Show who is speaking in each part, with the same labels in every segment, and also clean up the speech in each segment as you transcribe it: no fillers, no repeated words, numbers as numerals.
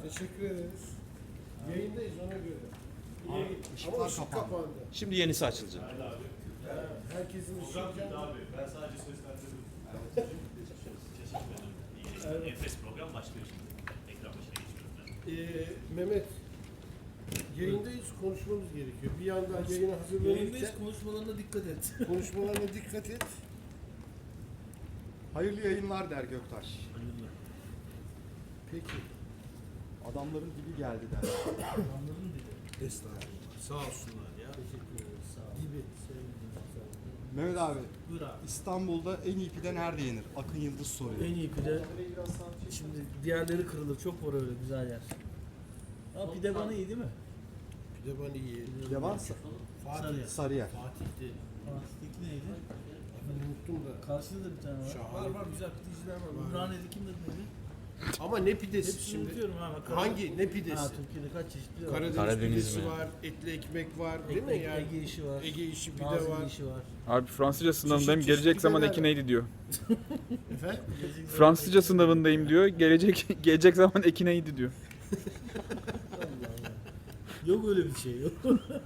Speaker 1: Teşekkür ederiz. Yayındayız ona göre. Ama ışık kapandı.
Speaker 2: Şimdi yenisi açılacak.
Speaker 1: Herkesin ışığı
Speaker 3: Abi ben sadece seslendirdim.
Speaker 1: Evet.
Speaker 3: Enfes program başlıyor şimdi. Ekran başına geçiyorum ben.
Speaker 1: Mehmet, yayındayız, konuşmamız gerekiyor. Bir yandan yayına hazırlanırken
Speaker 4: Yayındayız, konuşmalarına dikkat et.
Speaker 1: konuşmalarına dikkat et.
Speaker 5: Hayırlı yayınlar der Göktaş.
Speaker 1: Peki.
Speaker 5: Adamların dibi geldi der.
Speaker 4: Anladın dedi.
Speaker 1: Estağfurullah. Sağ olsunlar ya.
Speaker 4: Teşekkür ederiz. Sağ ol.
Speaker 1: Gibi.
Speaker 4: Sevgilim, sağ ol.
Speaker 5: Mehmet abi,
Speaker 4: Buyur abi.
Speaker 5: İstanbul'da en iyi pide nerede yenir? Akın Yıldız soruyor.
Speaker 4: En iyi pide. Şimdi diğerleri kırılır. Çok var öyle güzel yer. Ama pide bana iyi değil mi?
Speaker 1: Pide bana iyi.
Speaker 5: Pide varsa
Speaker 4: Sarıyer.
Speaker 5: Sarıyer.
Speaker 1: Fatih'ti.
Speaker 4: Fatih'teki neydi?
Speaker 1: Ben unuttum da.
Speaker 4: Karşıda da bir tane var.
Speaker 1: Şahane.
Speaker 4: Var güzel pideciler var. Ümraniye'de kim dedi neydi?
Speaker 1: Ama ne pidesi
Speaker 4: Hepsini
Speaker 1: şimdi?
Speaker 4: unutuyorum ha.
Speaker 1: Hangi? Ne pidesi?
Speaker 4: Ha, Türkiye'de kaç çeşit pide var?
Speaker 1: Karadeniz
Speaker 2: Karadeniz
Speaker 1: pidesi
Speaker 2: mi?
Speaker 1: var, etli ekmek var, değil mi
Speaker 4: Ege,
Speaker 1: yani?
Speaker 4: Ege işi var.
Speaker 1: Ege işi pide
Speaker 4: Nazilli
Speaker 1: var.
Speaker 4: işi var.
Speaker 6: Abi Fransızca sınavındayım.
Speaker 1: Çeşit
Speaker 6: Gelecek zaman
Speaker 1: pideler
Speaker 6: eki
Speaker 1: var.
Speaker 6: neydi diyor.
Speaker 1: Efendim?
Speaker 6: Fransızca sınavındayım diyor. Gelecek zaman eki neydi diyor.
Speaker 4: Allah Allah. Yok öyle bir şey yok.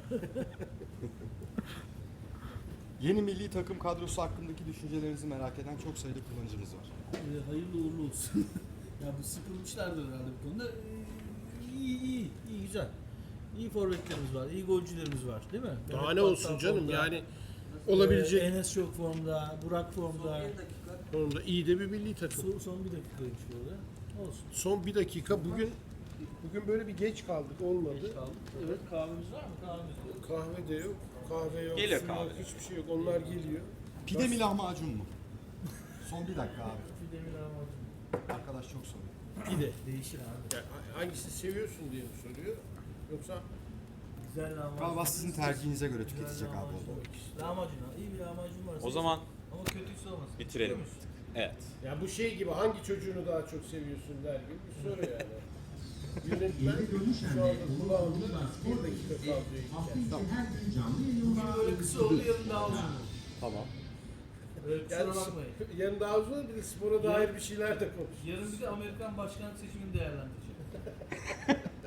Speaker 5: Yeni milli takım kadrosu hakkındaki düşüncelerinizi merak eden çok sayıda kullanıcımız var.
Speaker 4: Hayırlı uğurlu olsun. Ya bu sıkılmışlardır herhalde bu konuda. İyi güzel. İyi forvetlerimiz var, iyi golcülerimiz var değil mi?
Speaker 1: Daha
Speaker 4: Mehmet
Speaker 1: ne olsun
Speaker 4: Battal
Speaker 1: canım
Speaker 4: formda,
Speaker 1: yani olabilecek
Speaker 4: Enes çok formda, Burak formda.
Speaker 1: konuda iyi de bir milli takım.
Speaker 4: Son bir dakikaymış burada. Olsun.
Speaker 1: Son bir dakika bugün böyle bir geç kaldık olmadı.
Speaker 4: Geç kaldık. Evet kahvemiz var mı? Kahvemiz yok.
Speaker 1: Kahve de yok, kahve yok,
Speaker 2: Geliyor
Speaker 1: su
Speaker 2: kahve.
Speaker 1: yok, hiçbir şey yok. Onlar geliyor.
Speaker 5: Pide mi lahmacun mu? Son bir dakika abi.
Speaker 4: Bir demir lahmacun.
Speaker 5: Arkadaş çok soruyor.
Speaker 4: Pide. Değişir abi.
Speaker 1: Yani hangisini seviyorsun diye mi soruyor? Yoksa
Speaker 4: Güzel lahmacun.
Speaker 5: Galiba sizin tercihinize göre
Speaker 4: Güzel
Speaker 5: tüketecek abi
Speaker 4: lahmacun.
Speaker 5: o zaman.
Speaker 4: Lahmacun ha. İyi bir lahmacun varsa.
Speaker 2: O zaman
Speaker 4: Ama kötüyse olmasın.
Speaker 2: bitirelim.
Speaker 4: Biliyor musun?
Speaker 2: Evet.
Speaker 1: ya bu şey gibi hangi çocuğunu daha çok seviyorsun der gibi bir soru yani. Yönetmen şu anda kulağında bir dakika kalıyor.
Speaker 4: Bugün böyle kısa oldu, yarın daha uzun oldu.
Speaker 2: Tamam.
Speaker 4: Kusura
Speaker 1: Yani
Speaker 4: bakmayın.
Speaker 1: yarın daha uzun bir de spora dair bir şeyler de konuş.
Speaker 4: Yarın bir de Amerikan başkanlık seçimini değerlendireceğim.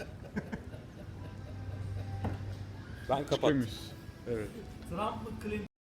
Speaker 2: Ben kapattım.
Speaker 6: Evet.
Speaker 4: Trump mı Clinton